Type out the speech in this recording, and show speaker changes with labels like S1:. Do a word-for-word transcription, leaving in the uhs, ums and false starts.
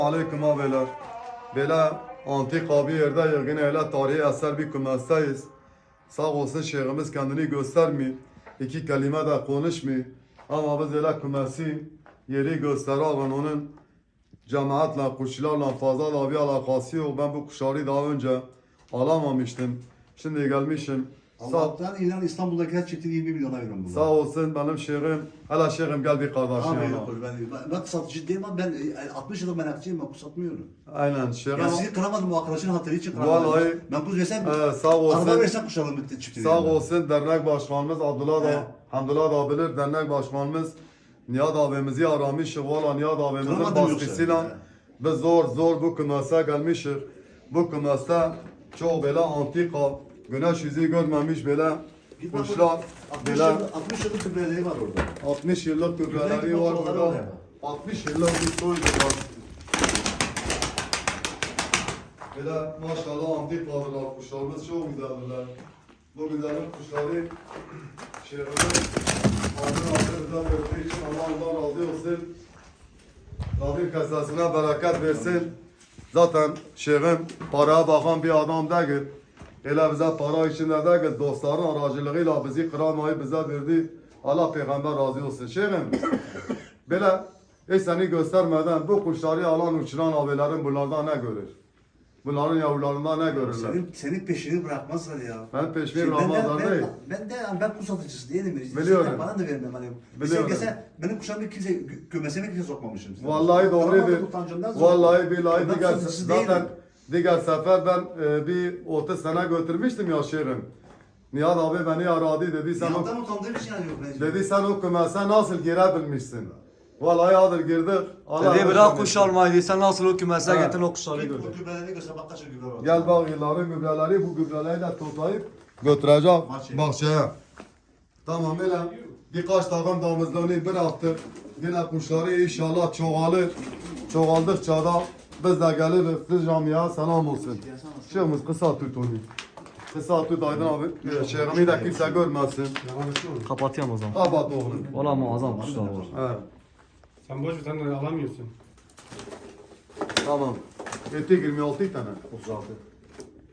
S1: Aleyküm abiler. Böyle antik abi yerde yine öyle tarihi eser bir kümesteyiz. Sağ olsun şeyhimiz kendini göstermiyor. İki kelime de konuşmuyor. Ama biz öyle kümesi yeri gösteriyor. Onun cemaatle, kuşlarla fazla da bir alakası yok. Ben bu kuşları daha önce alamamıştım. Şimdi gelmişim. Sağ,
S2: Allah'tan inan İstanbul'daki her çifti yirmi milyona veriyorum bunu.
S1: sağ olsun benim şeyhim. Hele şeyhim gel bir kardeşim
S2: Abi
S1: yana.
S2: yok ben, ben, ben satıcı değilim ama ben e, altmış yıllık merakçıyım, ben kuş satmıyorum.
S1: Aynen şeyhim.
S2: Ya sizi kıramadım, bu arkadaşın hatırı için kıramadım.
S1: Vallahi-
S2: Ben kuş versem,
S1: Ee, sağ olsun.
S2: araba versem kuş alırım çifti.
S1: Sağ olsun dernek başkanımız Abdullah
S2: He.
S1: da Hamdullah da bilir, dernek başkanımız Nihat abimizi aramış. Valla Nihat abimizin
S2: Kıramadım yoksa.
S1: baskısıyla
S2: He.
S1: biz zor zor bu kümese gelmişiz. Bu kümeste çok böyle antika, güneş yüzü görmemiş böyle
S2: Git bak,
S1: kuşlar,
S2: altmış
S1: böyle
S2: yıllık- altmış yıllık kübreleri var orada.
S1: altmış yıllık gübreleri
S2: Güzel
S1: var
S2: fotoğrafları
S1: burada.
S2: var ya.
S1: altmış yıllık bir soydu var. Böyle maşallah antik varlılar, kuşlarımız çok güzeldirler. Bu güzellik kuşları şehrimizin adını adını verdiği için Allah ondan razı olsun. Rabbim kesesine bereket versin. Zaten şeyhim paraya bakan bir adam değil. Öyle bize para içinde değil, dostların aracılığıyla bizi kıramayı bize verdi. Allah peygamber razı olsun. Şeyhim, böyle hiç seni göstermeden bu kuşları alan uçuran abilerin bunlardan ne görür? Bunların yavrularından ne görürler?
S2: Senin, senin peşini bırakmazlar ya.
S1: Ben peşimi
S2: Şimdi ben de-
S1: bırakmazlar değil.
S2: Ben, ben de yani ben kuş satıcısı değilim.
S1: Biliyorum.
S2: Sizden bana da vermem hani.
S1: Biliyorum.
S2: Mesela benim kuşlarımı kimse gü- kümesime kimse sokmamışım.
S1: Vallahi doğrudur.
S2: Kıramadım, utancımdan zor.
S1: Vallahi billahi
S2: Ben
S1: diğer,
S2: satıcısı
S1: zaten
S2: değilim.
S1: diğer sefer ben e, bir otuz sene götürmüştüm ya şehrim. Nihat abi beni aradı dedi sen o,
S2: Yandan utandığım için yani yok. mecbur.
S1: dedi sen o kümese nasıl girebilmişsin? Vallahi adır girdik. Allah
S3: Dedi bırak
S1: rahmet
S3: kuş
S1: eylesin.
S3: almayı, sen nasıl o kümese
S1: Ha.
S3: getirin o kuşları
S2: Git
S3: gördün.
S2: bu gübreleri göster, bak kaç gübre var.
S1: Gel bak yılların gübreleri bu gübreleri de toplayıp götüreceğim
S2: Bahçeye.
S1: bahçeye. Tamam öyle birkaç takım damızlığını bıraktık. Yine kuşları inşallah çoğalır. Çoğaldıkça da biz de geliriz. Siz camiye selam olsun. Şeyhimiz kısa tut onu. Kısa tut Aydın abi. Şeyhimi de kimse görmesin.
S3: Kapatıyorum o zaman.
S1: Kapat oğlum.
S3: Valla muazzam kuşlar var.
S1: Evet.
S4: Sen boş ver, sen de alamıyorsun.
S1: Tamam. Etti yirmi altı tane.
S2: otuz altı.